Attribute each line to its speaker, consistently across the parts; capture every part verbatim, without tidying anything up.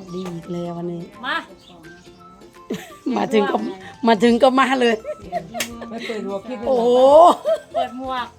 Speaker 1: ดีอีกแล้ววันนี้
Speaker 2: มา
Speaker 1: มาถึงก็มาถึงก็มาเลย
Speaker 3: ไม่เปิดหัวคิด
Speaker 1: โอ้โห
Speaker 2: เปิดหมวก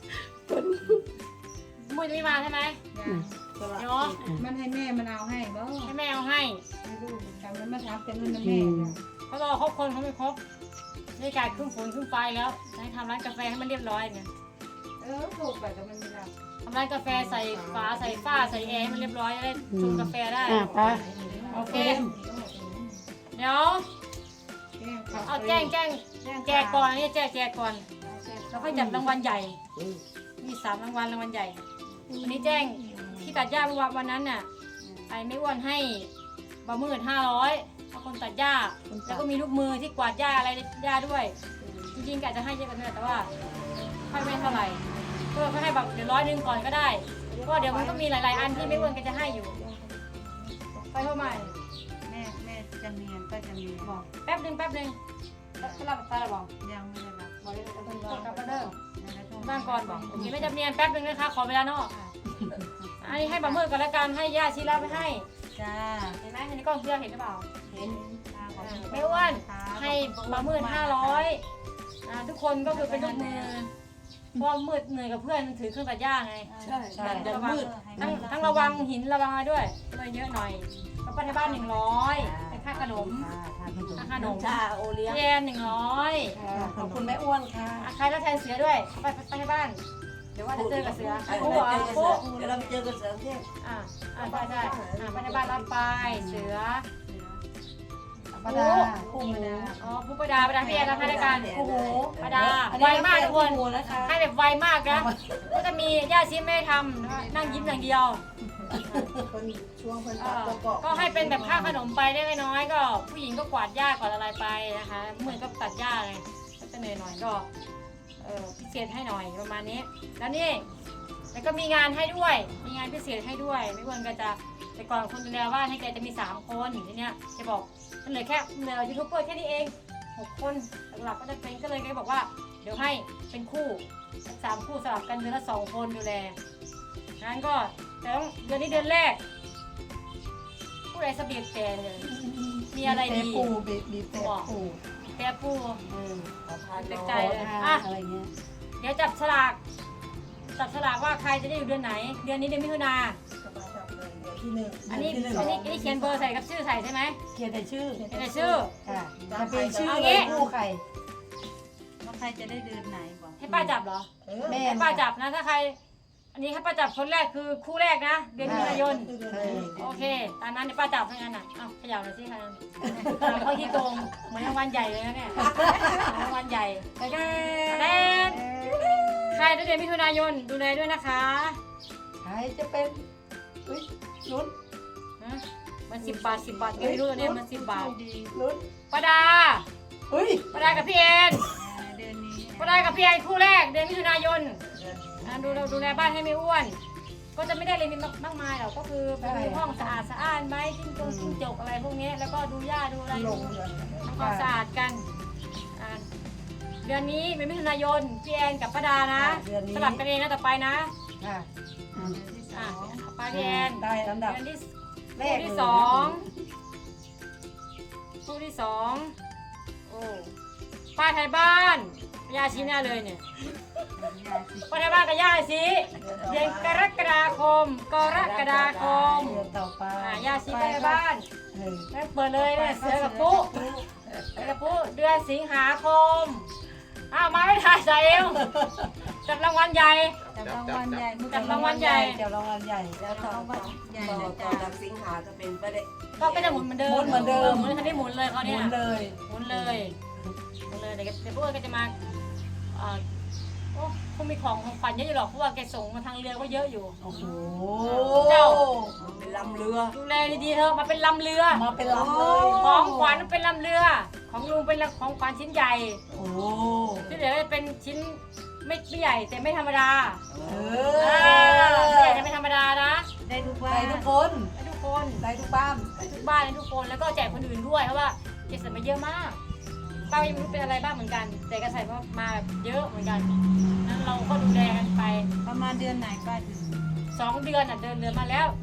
Speaker 2: มุ้ยจะไม่มาใช่ไหมเนาะ
Speaker 4: มันให้แม่มันเอาให้บ่
Speaker 2: ให้แม่เอาให้
Speaker 4: ให้ลูกทำมันมาทำแต่เงิน
Speaker 1: อื
Speaker 4: แม่
Speaker 1: ม
Speaker 2: เขารอครบคนเขาไม่ครบนี่การขึ้นฝนขึ้นไฟแล้วให้ทำร้านกาแฟให้มันเรียบร้อยเนี่ย
Speaker 4: เออถูกไปแต่มันไม่รับ
Speaker 2: ทำร้านกาแฟใส่ฝาใส่ฝ้าใส่แอร์ให้มันเรียบร้อยจะได้ชงกาแฟได้
Speaker 1: อ่ะไป
Speaker 2: โอเคเดี๋ยวเอาแจ้งแจ้งแจกก่อนนี่แจกแจกก่อนแล้วค่อยจับรางวัลใหญ่มีสามรางวัลรางวัลใหญ่วันนี้แจ้งที่ตัดหญ้าเมื่อวานวันนั้นน่ะไอ้ไม่อ้วนให้บะหมื่นห้าร้อยเพราะคนตัดหญ้าแล้วก็มีลูกมือที่กวาดหญ้าอะไรหญ้าด้วยจริงๆกะจะให้เยอะกว่านี้แต่ว่าให้ไม่เท่าไหร่ก็ให้แบบเดี๋ยวร้อยหนึ่งก่อนก็ได้เพราะเดี๋ยวมันก็มีหลายๆอันที่ไม่อ้วนก็จะให้อยู่ไปเท่าไหร่
Speaker 4: แม่แม่จำเนียนก็จำเนียนบอก
Speaker 2: แป๊บหนึ่งแป๊บหนึ่งสลับตาละบอก
Speaker 4: ยังไม่ได้รับ
Speaker 2: บอกเลยต้องรอกลับมาเด้อ
Speaker 4: แล้วโทร
Speaker 2: บ้างก่อนบอกโอเคไม่จำเนียนแป๊บหนึ่งนะคะขอเวลานอกอันนี้ให้บะหมื่นก่อนแล้วกันให้ย่าชีลาไปให้
Speaker 4: จ้า
Speaker 2: เห็นไหมในกล้องเชื่อเห็นหรือเปล่า
Speaker 4: เห็นขอบคุณ
Speaker 2: ไม่อ้วนให้บะหมื่นห้าร้อยทุกคนก็คือเป็นลูกมือเพราะมืดเหนื่อยกับเพื่อนถือเครื่องตัดหญ้าไง
Speaker 1: ใช่ใช่เดี๋ยวมืด
Speaker 2: ทั้งทั้งระวังหินระวังอะไรด้วยเลยเยอะหน่อยก็ไปในบ้านหนึ่งร้อยเป็นค่าขนมค่าขนม
Speaker 1: ชาโอเลี้ยง
Speaker 2: เยนหนึ่งร้อย
Speaker 1: ขอบคุณแม่อ้วนค่ะ
Speaker 2: ใครแล้วแทนเสือด้วยไปไปในบ้านเดี๋ยวว่าจะเจอกับเสือ
Speaker 1: เดี๋
Speaker 2: ปุ๊บอ่ะปุ๊บ
Speaker 1: ยวเราไปเจอกันเสริมเที่ยง
Speaker 2: อ่าอ่าได้ได้อ่าไปในบ้านรับไปเสือ
Speaker 1: ปาดาคู่หมู
Speaker 2: อ๋อผู้ประดาประดาพี่แอนรับให้รายการคู่หูประดาไวมากทุกคน
Speaker 1: นะคะ
Speaker 2: ให้แบบไวมากนะก็จะมีย่าชิไม่ได้ทำนั่งยิ้มอย่างเดียว
Speaker 1: คนช่วงคน
Speaker 2: เอ
Speaker 1: ตัด
Speaker 2: อ
Speaker 1: ประกอบ
Speaker 2: ก็ให้เป็นแบบค่าขนมไปได้ไม่น้อยก็ ผู้หญิงก็กวาดหญ้ากวาดอะไรไปนะคะเหมือนก็ตัดหญ้าไงก็จะเหนื่อยหน่อยก็เออพิเศษให้หน่อยประมาณนี้แล้วนี่แล้วก็มีงานให้ด้วยมีงานพิเศษให้ด้วยไม่ควรก็จะแต่ก่อนคนดูแลบ้านให้แกจะมีสามคนทีเนี้ยจะบอกมันเหลือแค่เหลือยูทูบเบอร์แค่นี้เองหกคนหลักๆก็จะเป็นก็เลยแกบอกว่าเดี๋ยวให้เป็นคู่สามคู่สลับกันเดือนละสองคนดูแลงั้นก็แต่ต้องเดือนนี้เดือนแรกผู้ใดสะเบียดแต่เลยมีอะไรดี
Speaker 1: ปูบีบบีบแต่ปู
Speaker 2: แต่ปู
Speaker 1: เออขอทาน
Speaker 2: เด็กใจ
Speaker 1: ใจ
Speaker 2: เล
Speaker 1: เลย ย
Speaker 2: อ่ะ
Speaker 1: อะไรเงี้ย
Speaker 2: เดี๋ยวจับฉลากจับฉลากว่าใครจะได้อยู่เดือนไหน เดือนนี้เดือนมิถุนา
Speaker 1: ที่หนึ่ง
Speaker 2: อันนี้
Speaker 1: ที่หนึ่ง
Speaker 2: อันนี้อันนี้เขียนเบอร์ใส่กับชื่อใส่ใช่ไหม
Speaker 1: เขียนแต่ชื่อ
Speaker 2: เขียนแต่ชื่อ
Speaker 1: ค่ะจะเป็นชื่อ
Speaker 2: เอางี้
Speaker 1: คู่ใคร
Speaker 4: ว่าใครจะได้เดือนไหนบอก
Speaker 2: ให้ป้าจับเหรอ
Speaker 1: แม่
Speaker 2: ให้ป้าจับนะถ้าใคร อันนี้ให้ป้าจับคนแรกคือคู่แรกนะเดือนมิถุนายน
Speaker 1: เออ
Speaker 2: โอเคตามนั้นเดี๋ยวป้าจับให้งั้นน่ะอ้าวขยับหน่อยสิค่ะเขาที่โกงเหมือนรางวัลใหญ่เลยนะเนี่ยรางวัลใหญ่
Speaker 1: ไปกัน
Speaker 2: แดนใครได้เดือนมิถุนายนดูแลด้วยนะคะ
Speaker 1: ใครจะเป็นอุ้ยลุ้น
Speaker 2: นะมันสิบบาทสิบบาทไม่รู้ตัวเนี่ยมันสิบบาท
Speaker 1: ลุ้น
Speaker 2: ป้าดา
Speaker 1: อุ้ย
Speaker 2: ป้าดากับพี่แอน
Speaker 4: เดือนนี้
Speaker 2: ป้าดากับพี่แอนคู่แรกเดือนมิถุนายนอ่ะดูเราดูแลบ้านให้ไม่อ้วน ก็จะไม่ได้เลยมีมากมายหรอกก็คือมีห้องสะอาดสะอ้านไหมจิ้งจงจิ้งจกอะไรพวกนี้แล้วก็ดูหญ้าดูอะไร
Speaker 1: ล
Speaker 2: ดู
Speaker 1: งเลย
Speaker 2: ทำความสะอาดกันอ่ะเดือนนี้เป็นมิถุนายนพี่แอนกับป้าดานะสลับกันเองนะต่อไปนะ
Speaker 1: ค่ะ
Speaker 2: อ่ะป้าพี่แอน
Speaker 1: ได้ลำดับ
Speaker 2: เดือนที่
Speaker 1: แร
Speaker 2: คู่
Speaker 1: ก
Speaker 2: ที่สองคู่ที่สองโอ้ป้าไทยบ้านยาชี้หน้าเลยเนี่ยป้าไทยบ้านกับย่าสิเดือนกรกฎาคมกรกฎาคม
Speaker 1: เดือนต่อไป
Speaker 2: อ่ะยาชีป้าไทยบ้าน
Speaker 1: เออ
Speaker 2: แล้วเปิดเลยเนี่ยเสือกับปุ๊เสือกับปุ๊เดือนสิงหาคมอ้าวมาไม่ถ่ายใส่เอวจับรางวัลใหญ่
Speaker 4: จับรางวัลใหญ่
Speaker 2: จับรางวัลใหญ่
Speaker 1: เดี๋ยวรางวัลใหญ่
Speaker 4: แล้วต่อไปใหญ่
Speaker 3: ต่อ
Speaker 4: นะ
Speaker 3: ต่อ
Speaker 4: จ๊ะ
Speaker 3: จากสิงหาจะเป็นประเด็น
Speaker 2: ก็เป็นจะหมุนเหมือนเดิม
Speaker 1: หมุนเหมือนเดิม
Speaker 2: หมุนคันนี้หมุนเลยเขา
Speaker 1: ห
Speaker 2: เนี่
Speaker 1: มุ
Speaker 2: ย
Speaker 1: นเลย
Speaker 2: หมุนเลยหมุนเลยเดี๋ยวเดี๋ยวพวกก็จะมาเอ่อโอ้คงมีของของขวัญเยอะอยู่หรอกเพราะว่าแกส่งมาทางเรือก็เยอะอยู่
Speaker 1: โอ้โห
Speaker 2: เจ้า
Speaker 3: มันเป็นลำเรือ
Speaker 2: ดูแลดีๆเถอะมาเป็นลำเรือ
Speaker 1: มาเป็นลำเลย
Speaker 2: ของขวัญเป็นลำเรือ ของลุงเป็นของขวัญชิ้นใหญ่
Speaker 1: โอ้โห
Speaker 2: ที่เหลือจะเป็นชิ้นไม่ไม่ใหญ่แต่ไม่ธรรมดา
Speaker 1: เอ
Speaker 2: อ่า
Speaker 1: อ
Speaker 2: ไม่ใหญ่แต่ไม่ธรรมดานะ
Speaker 4: ได้ทุกว่า
Speaker 1: ได้ทุกคน
Speaker 2: ให้ทุกคน
Speaker 1: ได้ทุกบ้าน
Speaker 2: ให้ทุกบ้านให้ทุกคนแล้วก็แจกคนอื่นด้วยเพราะว่าแกใส่มาเยอะมากป้ายังไม่รู้เป็นอะไรบ้างเหมือนกัน แต่แกใส่มาแบบเยอะเหมือนกันนั้นเราก็ดูแลกันไป
Speaker 4: ประมาณเดือนไหนป้าถึง
Speaker 2: สองเดือนอ่ะเดินเรือมาแล้ว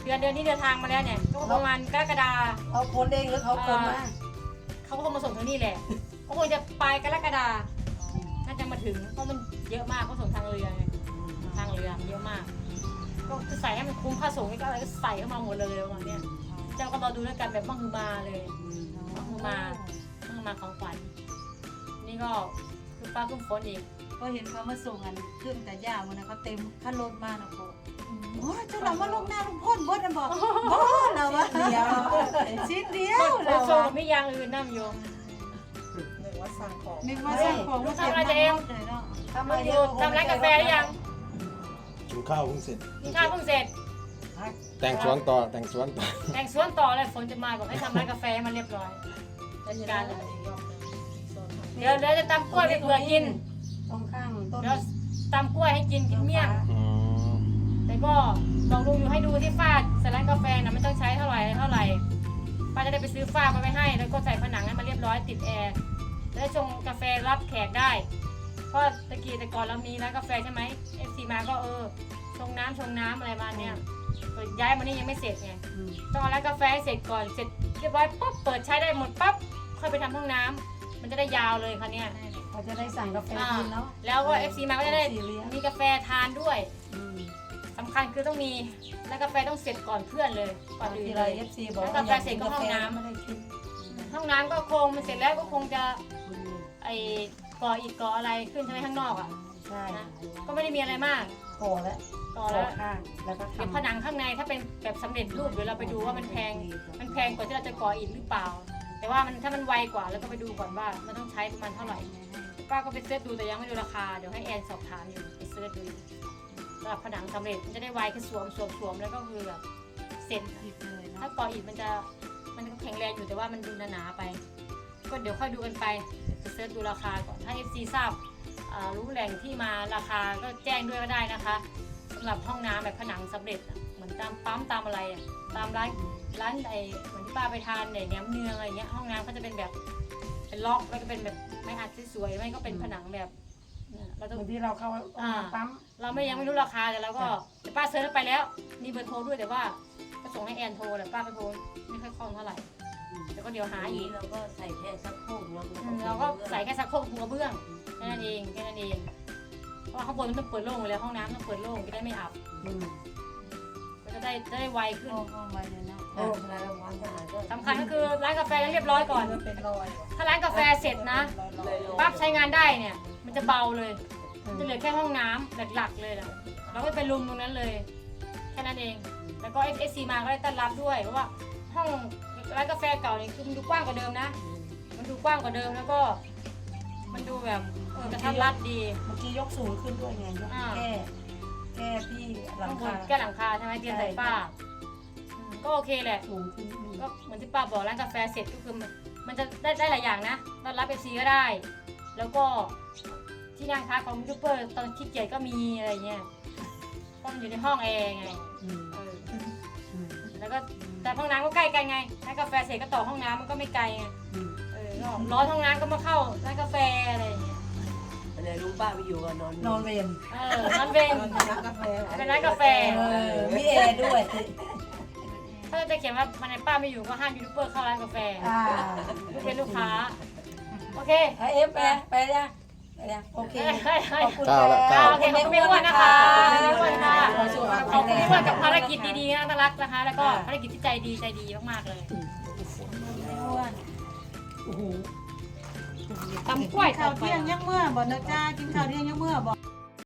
Speaker 2: เดือนเดือนนี้เดินทางมาแล้วเนี่ยก็ประมาณกรกฎา
Speaker 1: เขาคนเองหรือเขาคนมา
Speaker 2: เขาก็คงมาส่งทางนี้แหละเขาคงจะไปกรกฎาน่าจะมาถึงเพราะมันเยอะมากเขาส่งทางเรือไงทางเรือเยอะมาก ก็คือใส่ให้มันคุ้มค่าส่งก็อะไรก็ใส่เข้ามาหมดเลยประมาณเนี้ยเจ้าก็รอดูแล้วกันแบบมั่งคือมาเลยมั่งคือมามั่งคือมาของขวัญนี่ก็คือฟ้าคุ้มฝนอีก
Speaker 4: ก็เห็นเขามาส่งกันเครื่องแต่ย่ามันนะเขาเต็มขั้นรถมานะโคโอ้ยเจ้าเรามาลงหน้าลงพ่นบดนะบอกโอ้เราวะเดียวชิ้นเดียว
Speaker 2: โซ
Speaker 4: เรา
Speaker 2: โซ
Speaker 4: วะ
Speaker 2: ไม่ยังอื่นน้ำโยม
Speaker 3: หนึ่งว่าสั่งของ
Speaker 4: นึกว่าสั่งของมาเก็บมาเลยเนาะ
Speaker 1: ทำไม
Speaker 2: อยู่ทำร้านกาแฟหรือยัง
Speaker 5: กินข้าวเพิ่งเสร็จ
Speaker 2: กินข้าวเพิ่งเสร็จ
Speaker 5: แต่งสวนต่อแต่งสวนต่อ
Speaker 2: แต่งสวนต่อเลยฝนจะมาบอกให้ทำร้านกาแฟให้มันเรียบร้อยจัดการเลยเดี๋ยวเดี๋ยวจะตำกล้วยไปเผื่อกิน
Speaker 1: ตรงข้างต้น
Speaker 2: เดี๋ยวตำกล้วยให้กินกินเมี่ยง
Speaker 5: อืม
Speaker 2: แต่ก็ลองดูอยู่ให้ดูที่ฝ้าใส่ร้านกาแฟนะไม่ต้องใช้เท่าไหร่เท่าไหร่ป้าจะได้ไปซื้อฝ้ามาไว้ให้แล้วก็ใส่ผนังให้มันเรียบร้อยติดแอร์แล้วชงกาแฟรับแขกได้เพราะตะกี้แต่ก่อนเรามีร้านกาแฟใช่ไหมเอฟซีมาก็เออชงน้ำชงน้ำอะไรมาเนี่ยเปิดย้ายมานี่ยังไม่เสร็จไงต้องเอาร้านกาแฟให้เสร็จก่อนเสร็จเรียบร้อยปุ๊บเปิดใช้ได้หมดปั๊บค่อยไปทำห้องน้ำมันจะได้ยาวเลยค่ะเนี่ย
Speaker 1: เขาจะได้สั่งกาแฟ
Speaker 2: อ่า
Speaker 1: กินเนาะ
Speaker 2: แล้วก็เอฟซีมาก็จะได้
Speaker 1: เอฟซีเลี้ยง
Speaker 2: มีกาแฟทานด้วย
Speaker 1: อืม
Speaker 2: สำคัญคือต้องมีแล้วกาแฟต้องเสร็จก่อนเพื่อนเลยก่อนอื่น
Speaker 1: ที
Speaker 2: เล
Speaker 1: ไร
Speaker 2: ย
Speaker 1: เอฟซีบอก
Speaker 2: แล้วกาแฟเสร็จก็ห้องน้ำ
Speaker 1: ไม่ได้กิน
Speaker 2: ห้องน้ำก็คงมันเสร็จแล้วก็คงจะไอ้ก่ออิฐก่ออะไรขึ้นใช่ไหมข้างนอกอ่ะ
Speaker 1: ใช่
Speaker 2: นะก็ไม่ได้มีอะไรมาก
Speaker 1: ก่อแล้ว
Speaker 2: ก่อ
Speaker 1: ก่
Speaker 2: แล้
Speaker 1: อ
Speaker 2: ว
Speaker 1: ข้างแล้วก็
Speaker 2: เดี๋ยว
Speaker 1: ทำ
Speaker 2: ผนังข้างในถ้าเป็นแบบสำเร็จรูปเดี๋ยวเราไปดูว่ามันแพงมันแพงกว่าที่เราจะก่ออิฐหรือเปล่า แต่ว่ามันถ้ามันไวกว่าแล้วก็ไปดูก่อนว่ามันต้องใช้ประมาณเท่าไหร่ป้าก็ไปเสิร์ชดูแต่ยังไม่ดูราคาเดี๋ยวให้แอนสอบถามอยู่ไปเสิร์ชดูสำหรับผนังสำเร็จมันจะได้ไวคือสวมสวมสวมแล้วก็คือแบบเสร็จ
Speaker 4: ผิดเลย
Speaker 2: ถ้า
Speaker 4: เนาะ
Speaker 2: ก่ออิฐมันจะมันก็แข็งแรงอยู่แต่ว่ามันดูหนาๆไป ก็เดี๋ยวค่อยดูกันไปจะเสิร์ชดูราคาก่อนถ้า เอฟ ซี ทราบอ่ารู้แหล่งที่มาราคาก็แจ้งด้วยก็ได้นะคะสำหรับห้องน้ำแบบผนังสำเร็จอะเหมือนตามปั๊มตามอะไรอะตามร้านร้านไอเหมือนที่ป้าไปทานเนี่ยแหนมเนืองอะไรเงี้ยห้องน้ำก็จะเป็นแบบเป็นล็อกแล้วก็เป็นแบบไม้อัดสวยๆไม่ก็เป็นผนังแบบเนี่ยเราต้อง
Speaker 1: บางทีเราเข้าปั๊ม
Speaker 2: เราไม่ยังไม่รู้ราคาแต่เราก็แต่ป้าเซิร์ชไปแล้วมีเบอร์โทรด้วยแต่ว่าก็ส่งให้แอนโทรแต่ป้าก็โทรไม่ค่อยคล่องเท่าไหร่แต่ก็เดี๋ยวหา
Speaker 3: อัน
Speaker 2: อี
Speaker 3: นี้
Speaker 2: ก
Speaker 3: เราก็ใส่แค่สักโคกแล้ว
Speaker 2: อืมเราก็ใส่แค่สักโคกปูกระเบื้องแค่นั้นเองแค่นั้นเองเพราะว่าข้างบนมันต้องเปิดโล่งอยู่แล้วห้องน้ำต้องเปิดโล่งจะได้ไม่อับ
Speaker 1: อืม
Speaker 2: ก็จะได้จะได้ไวขึ้น
Speaker 4: ห้องห้องไว้เลยเนาะ
Speaker 3: โอ้รายละวันขนาดก็
Speaker 2: สำคัญก็คือร้านกาแฟต้องเรียบร้อยก่อน
Speaker 3: เป็นรอย
Speaker 2: ถ้าร้านกาแฟเสร็จนะปั๊บใช้งานได้เนี่ยมันจะเบาเลยมันจะเหลือแค่ห้องน้ำหลักๆเลยแหละเราก็ไปลุมตรงนั้นเลยแค่นั้นเองแล้วก็ เอฟ เอส ซี มาก็ได้ต้อนรับด้วยเพราะว่าห้องร้านกาแฟเก่านี่คือมันดูกว้างกว่าเดิมนะ มันดูกว้างกว่าเดิมแล้วก็ มันดูแบบเออกระทัดรัดดี
Speaker 1: เมื่อกี้ยกสูงขึ้นด้วยไงยก
Speaker 2: อ่า
Speaker 1: แก้แก้ที่หลั
Speaker 2: ข้าง งบ
Speaker 1: คาน
Speaker 2: แก้หลังคาใช่ไหมเตียงใส่ฝ้าอืมก็โอเคแหละ
Speaker 1: สูงขึ้นอืม
Speaker 2: ก็เหมือนที่ป้าบอกร้านกาแฟเสร็จก็คือมันมันจะได้ได้หลายอย่างนะต้อนรับเอฟซีก็ได้ แล้วก็ที่นั่งพักของยูทูบเบอร์ตอนขี้เกียจก็มีอะไรเงี้ยเพราะมันอยู่ในห้องแอร์ไง
Speaker 1: อืม
Speaker 2: เออ
Speaker 1: อืม
Speaker 2: แล้วก็แต่ห้องน้ำก็ใกล้กันไงร้านกาแฟเสร็จก็ต่อห้องน้ำมันก็ไม่ไกลไง
Speaker 1: อืม
Speaker 2: เออก็ร้อนห้องน้ำก็มาเข้าร้านกาแฟอะไรอย่างเงี้ย
Speaker 3: อันไหนลุงป้าไปอยู่กันนอน
Speaker 1: นอนเวร
Speaker 2: เออร้านเวง
Speaker 3: ร้านกาแฟ
Speaker 2: เป็นร้านกาแฟ
Speaker 1: เออมีแอร์ด้วย
Speaker 2: ถ้าจะเขียนว่ามันในป้าไม่อยู่ก็ห้ามยูทูบเบอร์เข้าร้านกาแฟ
Speaker 1: อ่า
Speaker 2: ไม่เป็นลูกค้าโอเค
Speaker 1: เอาเอฟไปไปยังไปยังโอเค
Speaker 2: เฮ้ยเฮ้ย
Speaker 1: ขอบคุณ
Speaker 5: เก้าละเก้า
Speaker 2: โอเคขอบคุณพี่อ้วนนะคะขอบคุณค่ะ
Speaker 1: ขอสุขภาพ
Speaker 2: ขอบ
Speaker 1: แข็ง
Speaker 2: คุณ
Speaker 1: แรง
Speaker 2: พี่อ้วนกับภารกิจดีๆน่ารักนะคะ แล้วก็ภารกิจที่ใจดีใจดีมากๆเลย
Speaker 4: อ้วน
Speaker 1: โอ้โห
Speaker 2: ตำกล้วย
Speaker 4: ข้าวเที่ยงยังเมื่อบ่นะจ้ากินข้าวเที่ยงยังเมื่อบ่